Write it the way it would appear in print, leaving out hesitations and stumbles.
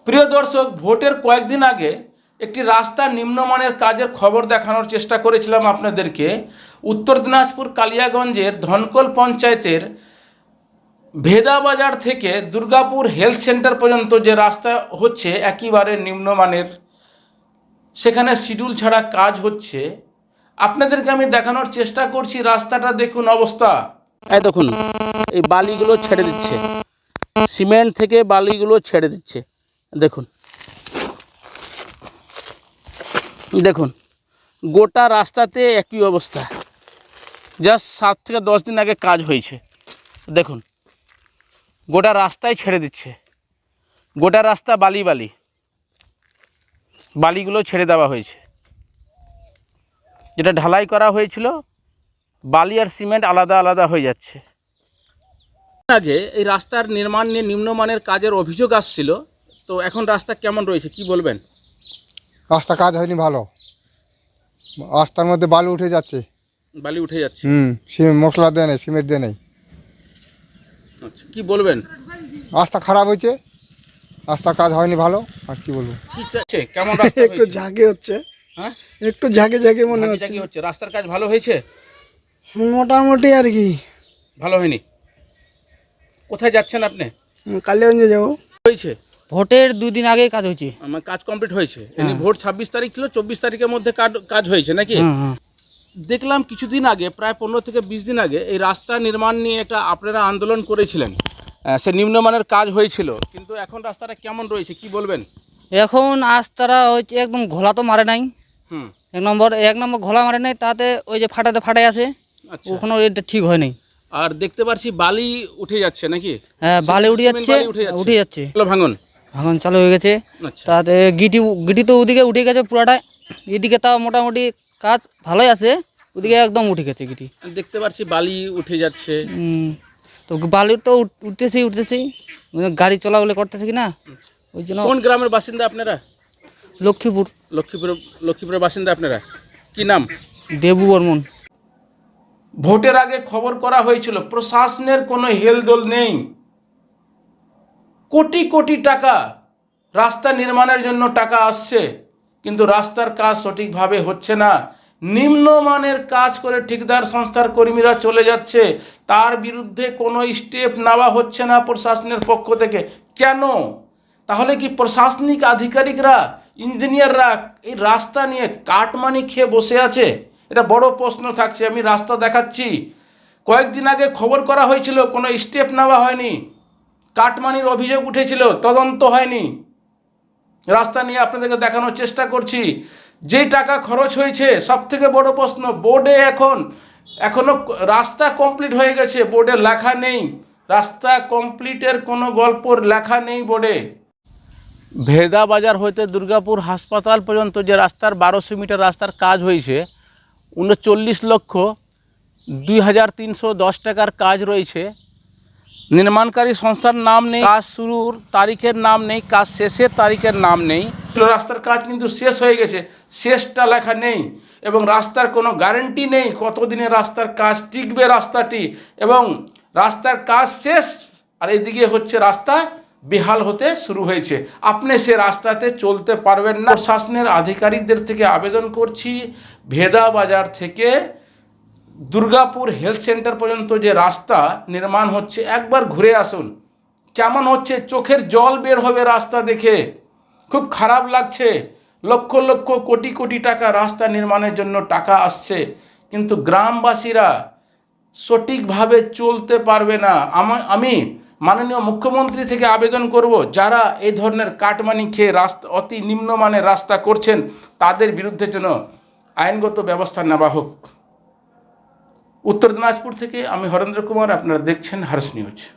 প্রিয় দর্শক, ভোটের কয়েকদিন আগে একটি রাস্তার নিম্নমানের কাজের খবর দেখানোর চেষ্টা করেছিলাম আপনাদেরকে। উত্তর দিনাজপুর কালিয়াগঞ্জের ধনকল পঞ্চায়েতের ভেদাবাজার থেকে দুর্গাপুর হেলথ সেন্টার পর্যন্ত যে রাস্তা হচ্ছে একেবারে নিম্নমানের, সেখানে শিডিউল ছাড়া কাজ হচ্ছে। আপনাদেরকে আমি দেখানোর চেষ্টা করছি। রাস্তাটা দেখুন অবস্থা। এই দেখুন, এই বালিগুলো ছেড়ে দিচ্ছে, সিমেন্ট থেকে বালিগুলো ছেড়ে দিচ্ছে। দেখুন দেখুন গোটা রাস্তাতে একই অবস্থা। জাস্ট 7 থেকে 10 দিন আগে কাজ হয়েছে। দেখুন গোটা রাস্তায় ছেড়ে দিচ্ছে, গোটা রাস্তা বালি বালি, বালিগুলো ছেড়ে দেওয়া হয়েছে। যেটা ঢালাই করা হয়েছিল, বালি আর সিমেন্ট আলাদা আলাদা হয়ে যাচ্ছে। আগে এই রাস্তার নির্মাণ নিয়ে নিম্নমানের কাজের অভিযোগ আসছিল, তো এখন রাস্তা কেমন রয়েছে কি বলবেন? রাস্তা কাজ হয়নি ভালো, রাস্তার মধ্যে বালু উঠে যাচ্ছে। বালি উঠে যাচ্ছে। মশলা দেয় নেই, সিমেন্ট দেয় নেই। আচ্ছা, কি বলবেন? রাস্তা খারাপ হয়েছে, রাস্তার কাজ হয়নি ভালো। আর কি বলবো, কি চাচ্ছে? কেমন রাস্তা একটু হয়েছে? ঝাঁকে হচ্ছে। হ্যাঁ, একটু ঝাঁকে ঝাঁকে মনে হচ্ছে। কি হচ্ছে? রাস্তার কাজ ভালো হয়েছে? মোটামুটি আর কি। ভালো হয়নি। কোথায় যাচ্ছেন আপনি? কালিয়াগঞ্জে যাবো। হয়েছে ভোটের 2 দিন আগেই কাজ হয়েছে। আমার কাজ কমপ্লিট হয়েছে। এমনি ভোট 26 তারিখ ছিল, 24 তারিখের মধ্যে কাজ হয়েছে নাকি? দেখলাম কিছুদিন আগে, প্রায় 15 থেকে 20 দিন আগে এই রাস্তা নির্মাণ নিয়ে একটা আপনারা আন্দোলন করেছিলেন। সে নিম্নমানের কাজ হয়েছিল, কিন্তু এখন রাস্তাটা কেমন রয়েছে কি বলবেন? এখন রাস্তাটা হচ্ছে একদম ঘোলা তো মারে নাই। হুম। এক নম্বর ঘোলা মারে নাই, তাতে ওই যে ফাটাই আছে। আচ্ছা, ওখানে ওইটা ঠিক হয় নাই। আর দেখতে পাচ্ছি বালি উঠে যাচ্ছে নাকি? হ্যাঁ, বালি উঠে সিমেন্ট যাচ্ছে, বালি উঠে যাচ্ছে। ভাঙন ভাঙন চালু হয়ে গেছে। আচ্ছা, তাতে গিটি তো ওদিকে উঠে গেছে পুরাটা। এদিকে তাও মোটামুটি কাজ ভালোই আছে, ওদিকে একদম উঠে গেছে গিটি। দেখতে পাচ্ছি বালি উঠে যাচ্ছে। তো বালি তো উঠতেছি গাড়ি চলাচলে করতেছে কি না, ওই জন্য। কোন গ্রামের বাসিন্দা আপনারা? লক্ষ্মীপুর। লক্ষ্মীপুরের বাসিন্দা আপনারা। কি নাম? দেবু বর্মন। ভোটের আগে খবর করা হয়েছিল, প্রশাসনের কোনো হেলদোল নেই। কোটি কোটি টাকা রাস্তা নির্মাণের জন্য টাকা আসছে, কিন্তু রাস্তার কাজ সঠিকভাবে হচ্ছে না। নিম্নমানের কাজ করে ঠিকাদার সংস্থার কর্মীরা চলে যাচ্ছে, তার বিরুদ্ধে কোনো স্টেপ নেওয়া হচ্ছে না প্রশাসনের পক্ষ থেকে। কেন? তাহলে কি প্রশাসনিক আধিকারিকরা, ইঞ্জিনিয়াররা এই রাস্তা নিয়ে কাটমানি খেয়ে বসে আছে? এটা বড় প্রশ্ন থাকছে। আমি রাস্তা দেখাচ্ছি, কয়েকদিন আগে খবর করা হয়েছিল, কোনো স্টেপ নেওয়া হয়নি। কাটমানির অভিযোগ উঠেছিল, তদন্ত হয়নি। রাস্তা নিয়ে আপনাদেরকে দেখানোর চেষ্টা করছি। যে টাকা খরচ হয়েছে, সব থেকে বড় প্রশ্ন, বোর্ডে এখনো রাস্তা কমপ্লিট হয়ে গেছে, বোর্ডে লেখা নেই। রাস্তা কমপ্লিটের কোনো গল্প লেখা নেই বোর্ডে। ভেদাবাজার হইতে দুর্গাপুর হাসপাতাল পর্যন্ত যে রাস্তার 1200 মিটার রাস্তার কাজ হয়েছে, 39,02,310 টাকার কাজ রয়েছে। নির্মাণকারী সংস্থার নাম নেই, কাজ শুরুর তারিখের নাম নেই, কাজ শেষের তারিখের নাম নেই। রাস্তার কাজ কিন্তু শেষ হয়ে গেছে, শেষটা লেখা নেই। এবং রাস্তার কোনো গ্যারান্টি নেই কতদিনে রাস্তার কাজ টিকবে রাস্তাটি। এবং রাস্তার কাজ শেষ, আর এদিকে হচ্ছে রাস্তা বেহাল হতে শুরু হয়েছে। আপনি সে রাস্তাতে চলতে পারবেন না। প্রশাসনের আধিকারিকদের থেকে আবেদন করছি, ভেদাবাজার থেকে দুর্গাপুর হেলথ সেন্টার পর্যন্ত যে রাস্তা নির্মাণ হচ্ছে, একবার ঘুরে আসুন। কেমন হচ্ছে, চোখের জল বের হবে রাস্তা দেখে। খুব খারাপ লাগছে। লক্ষ লক্ষ কোটি কোটি টাকা রাস্তা নির্মাণের জন্য টাকা আসছে, কিন্তু গ্রামবাসীরা সঠিকভাবে চলতে পারবে না। আমি মাননীয় মুখ্যমন্ত্রী থেকে আবেদন করব, যারা এই ধরনের কাটমানি খেয়ে রাস্তা, অতি নিম্নমানের রাস্তা করছেন, তাদের বিরুদ্ধে যেন আইনগত ব্যবস্থা নেওয়া হোক। উত্তর দিনাজপুর থেকে আমি হরেন্দ্র কুমার, আপনারা দেখছেন হার্স নিউজ।